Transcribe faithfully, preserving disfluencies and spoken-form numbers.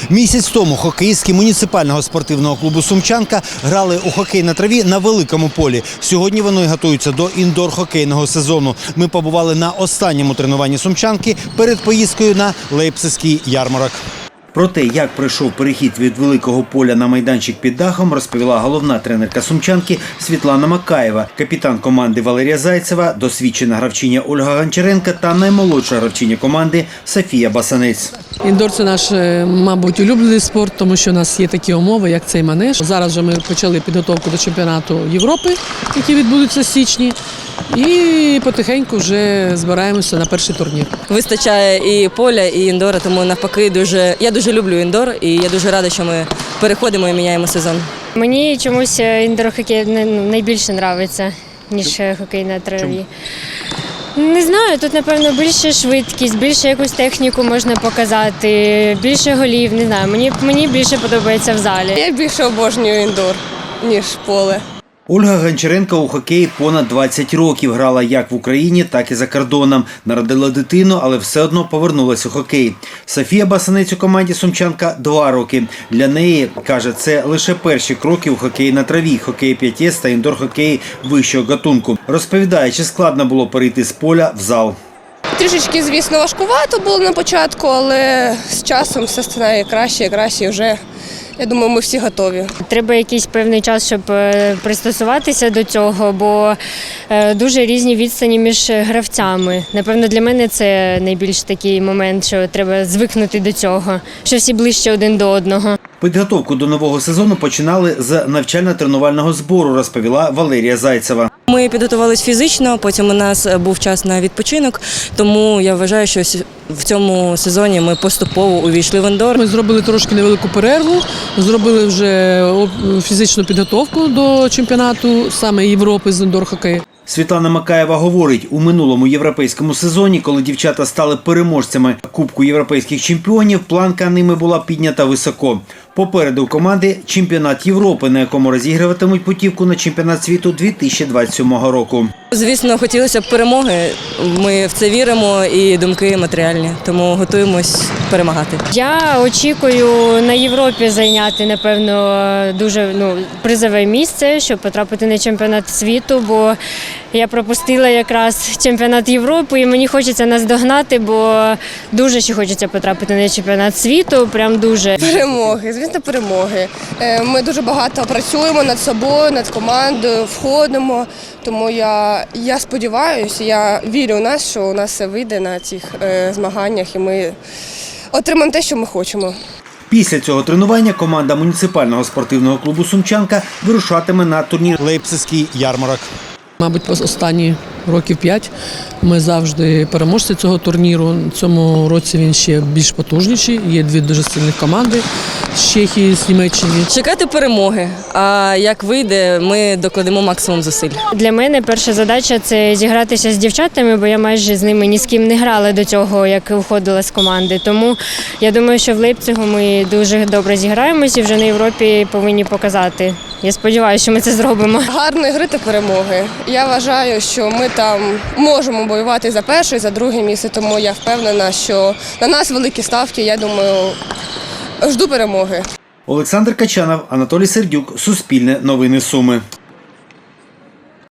Місяць тому хокеїстки муніципального спортивного клубу «Сумчанка» грали у хокей на траві на великому полі. Сьогодні вони готуються до індор-хокейного сезону. Ми побували на останньому тренуванні «Сумчанки» перед поїздкою на Лейпцизький ярмарок. Про те, як пройшов перехід від великого поля на майданчик під дахом, розповіла головна тренерка «Сумчанки» Світлана Макаєва, капітан команди Валерія Зайцева, досвідчена гравчиня Ольга Гончаренко та наймолодша гравчиня команди Софія Басанець. Індор – це наш, мабуть, улюблений спорт, тому що у нас є такі умови, як цей манеж. Зараз вже ми почали підготовку до чемпіонату Європи, який відбудеться в січні. І потихеньку вже збираємося на перший турнір. Вистачає і поля, і індора, тому навпаки дуже я дуже люблю індор, і я дуже рада, що ми переходимо і міняємо сезон. Мені чомусь індор-хокей найбільше подобається, ніж хокей на траві. Не знаю, тут, напевно, більше швидкість, більше якусь техніку можна показати, більше голів, не знаю. Мені, мені більше подобається в залі. Я більше обожнюю індор, ніж поле. Ольга Гончаренко у хокеї понад двадцять років. Грала як в Україні, так і за кордоном. Народила дитину, але все одно повернулася у хокей. Софія Басанець у команді «Сумчанка» два роки. Для неї, каже, це лише перші кроки у хокеї на траві, хокей п'ять ес та індор-хокей вищого гатунку. Розповідає, чи складно було перейти з поля в зал. Трішечки, звісно, важкувато було на початку, але з часом все стає краще і краще. Вже, я думаю, ми всі готові. Треба якийсь певний час, щоб пристосуватися до цього, бо дуже різні відстані між гравцями. Напевно, для мене це найбільш такий момент, що треба звикнути до цього, що всі ближче один до одного. Підготовку до нового сезону починали з навчально-тренувального збору, розповіла Валерія Зайцева. Ми підготувалися фізично, потім у нас був час на відпочинок, тому я вважаю, що в цьому сезоні ми поступово увійшли в індор. Ми зробили трошки невелику перерву, зробили вже фізичну підготовку до чемпіонату саме Європи з індор-хокею. Світлана Макаєва говорить, у минулому європейському сезоні, коли дівчата стали переможцями Кубку європейських чемпіонів, планка ними була піднята високо. Попереду у команди чемпіонат Європи, на якому розігруватимуть путівку на чемпіонат світу дві тисячі двадцять сьомого року. Звісно, хотілося б перемоги. Ми в це віримо і думки матеріальні, тому готуємось перемагати. Я очікую на Європі зайняти, напевно, дуже ну, призове місце, щоб потрапити на чемпіонат світу, бо я пропустила якраз чемпіонат Європи і мені хочеться наздогнати, бо дуже ще хочеться потрапити на чемпіонат світу, прям дуже. Перемоги, звісно, перемоги. Ми дуже багато працюємо над собою, над командою, входимо, тому я, я сподіваюся, я вірю в нас, що у нас все вийде на цих е, змаганнях і ми отримаємо те, що ми хочемо. Після цього тренування команда муніципального спортивного клубу «Сумчанка» вирушатиме на турнір Лейпцизький ярмарок. Мабуть, останні років п'ять ми завжди переможці цього турніру. В цьому році він ще більш потужніший. Є дві дуже сильних команди з Чехії, з Німеччини. Чекати перемоги, а як вийде, ми докладемо максимум зусиль. Для мене перша задача – це зігратися з дівчатами, бо я майже з ними ні з ким не грала до цього, як виходила з команди. Тому я думаю, що в Лейпцигу ми дуже добре зіграємося і вже на Європі повинні показати. Я сподіваюся, що ми це зробимо. Гарної гри та перемоги. Я вважаю, що ми там можемо воювати за перше і за друге місце, тому я впевнена, що на нас великі ставки, я думаю, жду перемоги. Олександр Качанов, Анатолій Сердюк, Суспільне новини Суми.